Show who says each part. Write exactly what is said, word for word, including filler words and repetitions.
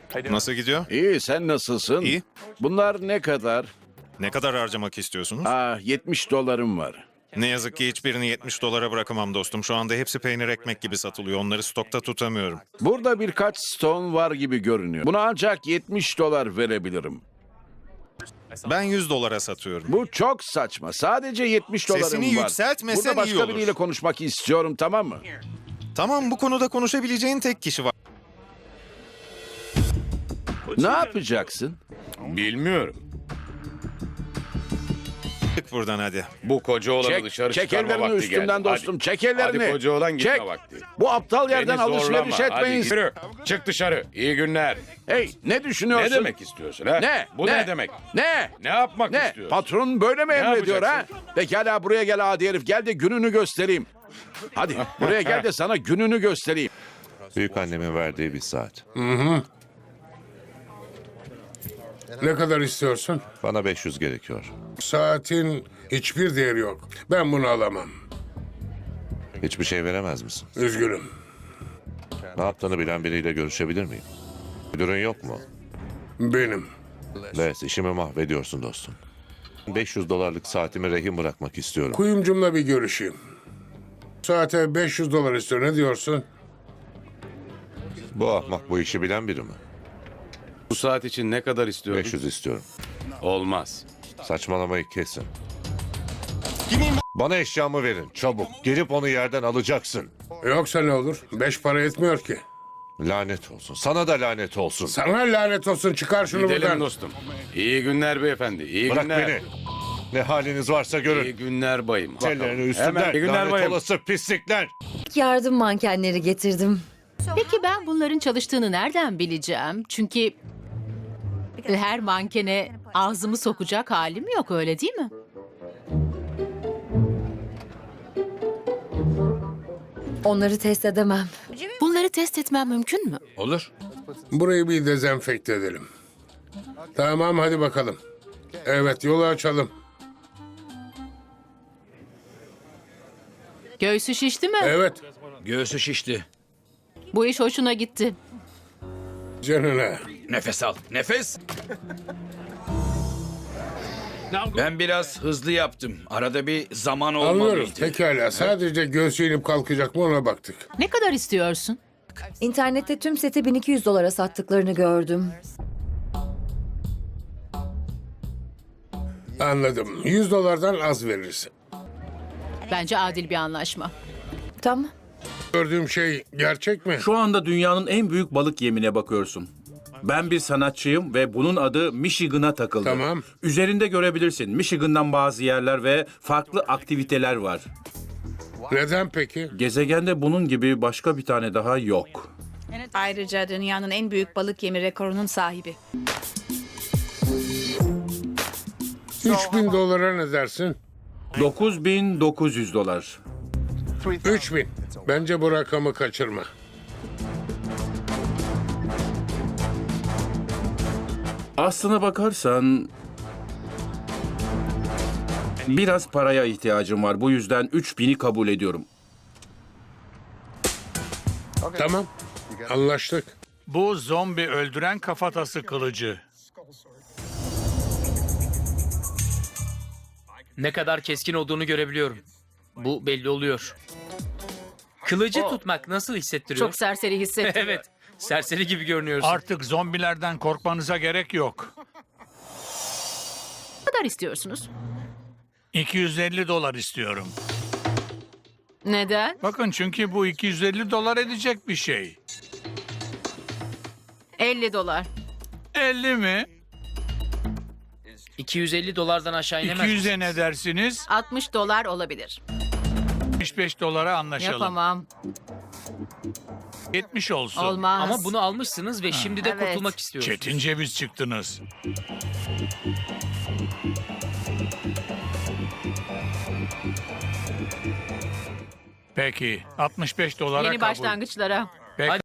Speaker 1: Nasıl gidiyor?
Speaker 2: İyi, sen nasılsın?
Speaker 1: İyi.
Speaker 2: Bunlar ne kadar?
Speaker 1: Ne kadar harcamak istiyorsunuz?
Speaker 2: Ah, yetmiş dolarım var.
Speaker 1: Ne yazık ki hiçbirini yetmiş dolara bırakamam dostum. Şu anda hepsi peynir ekmek gibi satılıyor. Onları stokta tutamıyorum.
Speaker 2: Burada birkaç stone var gibi görünüyor. Buna ancak yetmiş dolar verebilirim.
Speaker 1: Ben yüz dolara satıyorum.
Speaker 2: Bu çok saçma. Sadece yetmiş dolarım
Speaker 1: Sesini
Speaker 2: var.
Speaker 1: yükseltmesen
Speaker 2: Burada başka
Speaker 1: iyi olur.
Speaker 2: biriyle konuşmak istiyorum, tamam mı?
Speaker 1: Tamam, bu konuda konuşabileceğin tek kişi var.
Speaker 2: Ne yapacaksın?
Speaker 3: Bilmiyorum.
Speaker 1: Çık buradan hadi.
Speaker 3: Bu koca oğlanı
Speaker 2: Çek,
Speaker 3: dışarı
Speaker 2: çek
Speaker 3: çıkarma
Speaker 2: ellerini
Speaker 3: vakti
Speaker 2: üstümden
Speaker 3: geldi.
Speaker 2: dostum.
Speaker 3: Hadi.
Speaker 2: Çek ellerini.
Speaker 3: Hadi koca oğlan gitme
Speaker 2: Çek.
Speaker 3: vakti.
Speaker 2: Bu aptal yerden
Speaker 3: Beni
Speaker 2: alışveriş
Speaker 3: zorlama. Hadi
Speaker 2: etmeyin.
Speaker 3: yürü. Çık dışarı. İyi günler.
Speaker 2: Hey, ne düşünüyorsun?
Speaker 3: Ne demek istiyorsun ha?
Speaker 2: Ne?
Speaker 3: Bu ne, demek?
Speaker 2: Ne?
Speaker 3: Ne yapmak
Speaker 2: Ne?
Speaker 3: istiyorsun?
Speaker 2: Patron böyle mi emrediyor ha?
Speaker 3: yapacaksın?
Speaker 2: Pekala, buraya gel adi herif. Gel de gününü göstereyim. Hadi buraya gel de sana gününü göstereyim.
Speaker 4: Büyük annemin verdiği bir saat.
Speaker 5: Ne kadar istiyorsun?
Speaker 4: Bana beş yüz gerekiyor.
Speaker 5: Saatin hiçbir değeri yok. Ben bunu alamam.
Speaker 4: Hiçbir şey veremez misin?
Speaker 5: Üzgünüm.
Speaker 4: Ne yaptığını bilen biriyle görüşebilir miyim? Müdürün yok mu?
Speaker 5: Benim.
Speaker 4: Les, işimi mahvediyorsun dostum. beş yüz dolarlık saatimi rehin bırakmak istiyorum.
Speaker 5: Kuyumcumla bir görüşeyim. Saate beş yüz dolar istiyor. Ne diyorsun?
Speaker 4: Bu ahmak bu işi bilen biri mi?
Speaker 3: Bu saat için ne kadar istiyorsun?
Speaker 4: beş yüz istiyorum.
Speaker 3: Olmaz.
Speaker 4: Saçmalamayı kesin. Bana eşyamı verin, çabuk. Gelip onu yerden alacaksın.
Speaker 5: Yoksa ne olur? Beş para etmiyor ki.
Speaker 4: Lanet olsun. Sana da lanet olsun.
Speaker 5: Sana lanet olsun. Çıkar şunu
Speaker 3: Gidelim
Speaker 5: buradan.
Speaker 3: dostum. İyi günler beyefendi. İyi
Speaker 4: Bırak
Speaker 3: günler.
Speaker 4: beni. Ne haliniz varsa
Speaker 3: İyi
Speaker 4: görün.
Speaker 3: günler bayım.
Speaker 4: Ellerini
Speaker 3: Hemen
Speaker 4: üstümden.
Speaker 3: iyi günler
Speaker 4: Lanet
Speaker 3: bayım.
Speaker 4: olası pislikler.
Speaker 6: Yardım mankenleri getirdim.
Speaker 7: Peki ben bunların çalıştığını nereden bileceğim? Çünkü her mankene ağzımı sokacak halim yok, öyle değil mi?
Speaker 6: Onları test edemem.
Speaker 7: Bunları test etmem mümkün mü?
Speaker 3: Olur.
Speaker 5: Burayı bir dezenfekte edelim. Tamam, hadi bakalım. Evet, yolu açalım.
Speaker 7: Göğsü şişti mi?
Speaker 5: Evet,
Speaker 8: Göğsü şişti.
Speaker 7: Bu iş hoşuna gitti.
Speaker 5: canına.
Speaker 8: Nefes al. Nefes. Ben biraz hızlı yaptım. Arada bir zaman
Speaker 5: Anlıyoruz.
Speaker 8: olmalıydı.
Speaker 5: Pekala. Sadece göğsü inip kalkacak mı ona baktık.
Speaker 7: Ne kadar istiyorsun?
Speaker 6: İnternette tüm seti bin iki yüz dolara sattıklarını gördüm.
Speaker 5: Anladım. yüz dolardan az veririz.
Speaker 7: Bence adil bir anlaşma.
Speaker 6: Tamam.
Speaker 5: Gördüğüm şey gerçek mi?
Speaker 9: Şu anda dünyanın en büyük balık yemine bakıyorsun. Ben bir sanatçıyım ve bunun adı Michigan'a takıldı.
Speaker 5: Tamam.
Speaker 9: Üzerinde görebilirsin. Michigan'dan bazı yerler ve farklı aktiviteler var.
Speaker 5: Neden peki?
Speaker 9: Gezegende bunun gibi başka bir tane daha yok.
Speaker 10: Ayrıca dünyanın en büyük balık yemi rekorunun sahibi.
Speaker 5: üç bin dolara ne dersin?
Speaker 9: dokuz bin dokuz yüz dolar.
Speaker 5: üç bin. Bence bu rakamı kaçırma.
Speaker 9: Aslına bakarsan biraz paraya ihtiyacım var. Bu yüzden üç bini kabul ediyorum.
Speaker 5: Tamam. Anlaştık.
Speaker 11: Bu zombi öldüren kafatası kılıcı.
Speaker 12: Ne kadar keskin olduğunu görebiliyorum. Bu belli oluyor. Kılıcı tutmak nasıl hissettiriyor?
Speaker 7: Çok serseri hissettim.
Speaker 12: Evet, serseri gibi görünüyorsun.
Speaker 11: Artık zombilerden korkmanıza gerek yok.
Speaker 7: Ne kadar istiyorsunuz?
Speaker 11: iki yüz elli dolar istiyorum.
Speaker 7: Neden?
Speaker 11: Bakın çünkü bu iki yüz elli dolar edecek bir şey.
Speaker 7: elli dolar.
Speaker 11: elli mi?
Speaker 12: iki yüz elli dolardan aşağı inemez.
Speaker 11: iki yüze ne dersiniz?
Speaker 7: altmış dolar olabilir.
Speaker 11: yetmiş beş dolara anlaşalım.
Speaker 7: Yapamam.
Speaker 11: yetmiş olsun.
Speaker 7: Olmaz.
Speaker 12: Ama bunu almışsınız ve şimdi de
Speaker 7: Evet.
Speaker 12: kurtulmak istiyorsunuz.
Speaker 11: Çetin ceviz çıktınız. Peki, altmış beş dolara
Speaker 7: Yeni
Speaker 11: kabul.
Speaker 7: başlangıçlara.
Speaker 11: Peki.